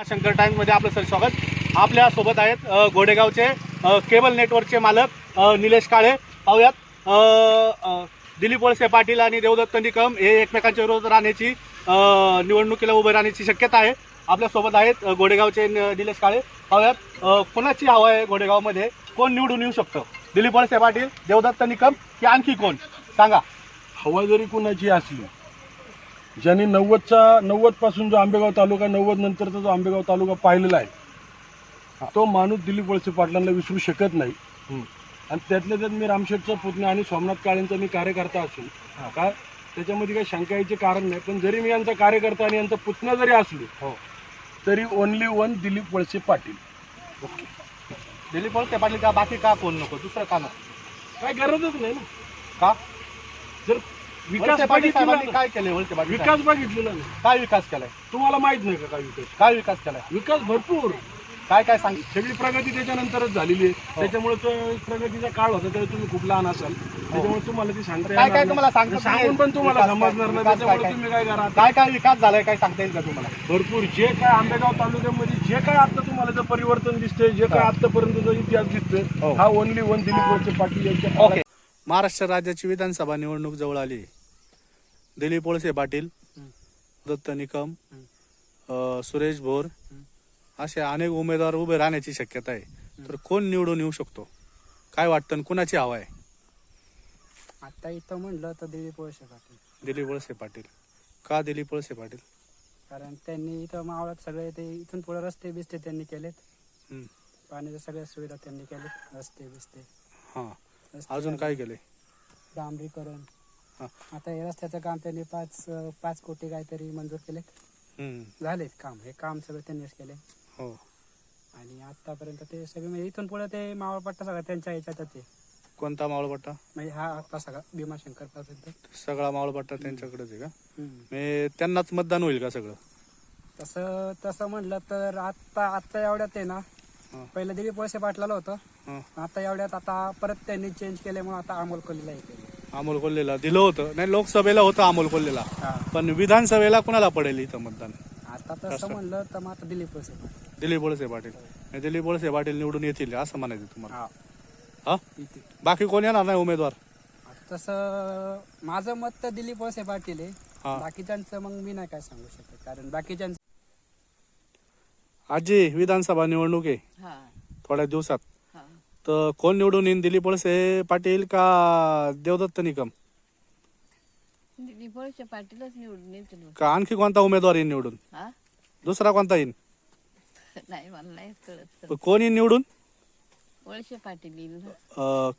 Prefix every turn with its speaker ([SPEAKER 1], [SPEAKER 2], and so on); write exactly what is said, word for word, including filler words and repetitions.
[SPEAKER 1] Shankar times मध्ये आपलं sir स्वागत। आपल्या सोबत आहेत अ, गोडेगावचे अ, केबल नेटवर्कचे मालक अ, निलेश काळे। पाहूयात अ, अ, दिलीप वळसे पाटील आणि देवदत्त निकम हे एकमेकांच्या विरोधात राहण्याची अ, निवडणुकीला उभे राहण्याची शक्यता आहे। आपल्या सोबत आहेत अ, गोडेगावचे न- निलेश काळे। पाहूयात अ, कोणाची हवा आहे गोडेगावमध्ये, कोण निवडून येऊ शकतं? दिलीप वळसे पाटील, देवदत्त निकम की आणखी कोण, सांगा।
[SPEAKER 2] हवा जरी कुणाची असली, ज्यांनी नव्वदचा नव्वद पासून जो आंबेगाव तालुका, नव्वद नंतरचा जो आंबेगाव तालुका पाहिलेला आहे, तो माणूस दिलीप वळसे पाटलांना विसरू शकत नाही। आणि त्यातल्या त्यात मी रामशेठचा पुतण्या आणि सोमनाथ काळेंचा मी कार्यकर्ता असून काय त्याच्यामध्ये काही शंका यायचे कारण नाही। पण जरी मी यांचा कार्यकर्ता आणि यांचा पुतण्या जरी असलो,
[SPEAKER 1] हो,
[SPEAKER 2] तरी only one Dilip Walse Patil.
[SPEAKER 1] Okay. Dilip Walse Patil का, बाकी का कोण नको, दुसरं का नको?
[SPEAKER 2] काय गरजच नाही ना।
[SPEAKER 1] का?
[SPEAKER 2] जर विकास
[SPEAKER 1] वळसे पाटील
[SPEAKER 2] बघितलेला
[SPEAKER 1] साहेबांनी काय केले? वळसे पाटील
[SPEAKER 2] विकास बघितलेला नाही,
[SPEAKER 1] काय विकास केलाय?
[SPEAKER 2] तुम्हाला माहित नाही का काय विकास?
[SPEAKER 1] काय विकास केलाय?
[SPEAKER 2] विकास भरपूर,
[SPEAKER 1] काय काय सांग?
[SPEAKER 2] सगळी प्रगती त्याच्यानंतरच झालेली आहे। त्याच्यामुळे तो प्रगतीचा काळ होता तेव्हा तुम्ही खूप लहान असाल, त्याच्यामुळे तुम्हाला ती सांगता
[SPEAKER 1] काय
[SPEAKER 2] येणार
[SPEAKER 1] काय तुम्हाला
[SPEAKER 2] नाही.
[SPEAKER 1] सांगतो
[SPEAKER 2] सांगून पण तुम्हाला
[SPEAKER 1] विकास काय-
[SPEAKER 2] समजणार नाही,
[SPEAKER 1] विकास काय-
[SPEAKER 2] त्याच्यामुळे
[SPEAKER 1] काय-
[SPEAKER 2] तुम्ही काय करा,
[SPEAKER 1] काय काय विकास झालाय, काय सांगता येईल का तुम्हाला?
[SPEAKER 2] भरपूर जे काय आंबेगाव तालुक्यामध्ये जे काय आता तुम्हाला जे परिवर्तन दिसतंय, जे काय आतापर्यंतचा इतिहास
[SPEAKER 1] हो.
[SPEAKER 2] दिसतोय, हा ओनली वन दिलीप वळसे पाटील यांच्या
[SPEAKER 1] ओके।
[SPEAKER 2] काळात.
[SPEAKER 1] महाराष्ट्र राज्याची विधानसभा निवडणूक जवळ आली। दिलीप वळसे पाटील, दत्त निकम, अ, सुरेश भोर असे अनेक उमेदवार उभे राहण्याची शक्यता आहे। तर कोण निवडून येऊ शकतो, काय वाटतं, कुणाची हवा आहे?
[SPEAKER 3] आता इथं म्हणलं तर दिलीप वळसे पाटील,
[SPEAKER 1] दिलीप वळसे पाटील का? दिलीप वळसे पाटील
[SPEAKER 3] कारण त्यांनी इथं मावळात सगळे ते इथून पुढे रस्ते बिस्ते त्यांनी केलेत,
[SPEAKER 1] हम्म,
[SPEAKER 3] पाण्याच्या सगळ्या सुविधा त्यांनी केलेत, रस्ते बिस्ते
[SPEAKER 1] हां,
[SPEAKER 3] रस्ते
[SPEAKER 1] अजून
[SPEAKER 3] झाले,
[SPEAKER 1] काय केले?
[SPEAKER 3] डांबरीकरण।
[SPEAKER 1] हां,
[SPEAKER 3] आता हे रस्त्याचं काम त्यांनी पाच पाच कोटी काहीतरी मंजूर केलेत,
[SPEAKER 1] हम्म,
[SPEAKER 3] झालेत काम, हे काम सगळं त्यांनीच केले।
[SPEAKER 1] हो,
[SPEAKER 3] आणि आतापर्यंत ते सगळे म्हणजे इथून पुढे ते मावळपट्टा सगळा त्यांच्या ह्याच्यातच आहे,
[SPEAKER 1] कोणता मावळपट्टा?
[SPEAKER 3] म्हणजे हा आता सगळा भीमाशंकर पर्यंत।
[SPEAKER 1] सगळा मावळपट्टा त्यांच्याकडेच आहे का?
[SPEAKER 3] हम्म.
[SPEAKER 1] म्हणजे त्यांनाच मतदान होईल का सगळं?
[SPEAKER 3] तसं तसं म्हणलं तर आता आता एवढ्यात आहे ना,
[SPEAKER 1] हां,
[SPEAKER 3] पहिलं दिलीप वळसे पाटलाला होतं,
[SPEAKER 1] हां,
[SPEAKER 3] आता एवढ्यात आता परत त्यांनी चेंज केल्यामुळे आता अमोल कोल्हेला येते।
[SPEAKER 1] अमोल कोल्हेला दिलं होतं, नाही लोकसभेला होतं अमोल कोल्हेला, पण विधानसभेला कुणाला पडेल इथं मतदान?
[SPEAKER 3] आता तसं म्हणलं तर मग आता दिलीप वळसे पाटील
[SPEAKER 1] दिलीप वळसे पाटील, म्हणजे दिलीप वळसे पाटील निवडून येतील असं म्हणायचं तुम्हाला?
[SPEAKER 3] हा
[SPEAKER 1] हा,
[SPEAKER 3] इथे
[SPEAKER 1] बाकी कोण येणार नाही उमेदवार?
[SPEAKER 3] आता तसं माझं मत तर दिलीप वळसे पाटील आहे,
[SPEAKER 1] हा,
[SPEAKER 3] बाकीच्यांचं मग मी नाही काय सांगू शकत, कारण बाकीच्यांचं
[SPEAKER 1] आजी विधानसभा निवडणूक आहे
[SPEAKER 4] हा
[SPEAKER 1] थोड्या दिवसात,
[SPEAKER 4] हा
[SPEAKER 1] तर कोण निवडून येईल, दिलीप वळसे पाटील का देवदत्त निकम
[SPEAKER 4] दिलीप वळसे पाटीलच निवडून येतील.
[SPEAKER 1] का आणखी कोणता उमेदवार येईल निवडून?
[SPEAKER 4] हा
[SPEAKER 1] दुसरा कोणता येईल?
[SPEAKER 4] नाही मला नाही कळत.
[SPEAKER 1] पण कोण येईल निवडून?
[SPEAKER 4] वळसे पाटील येईल ना.
[SPEAKER 1] अं,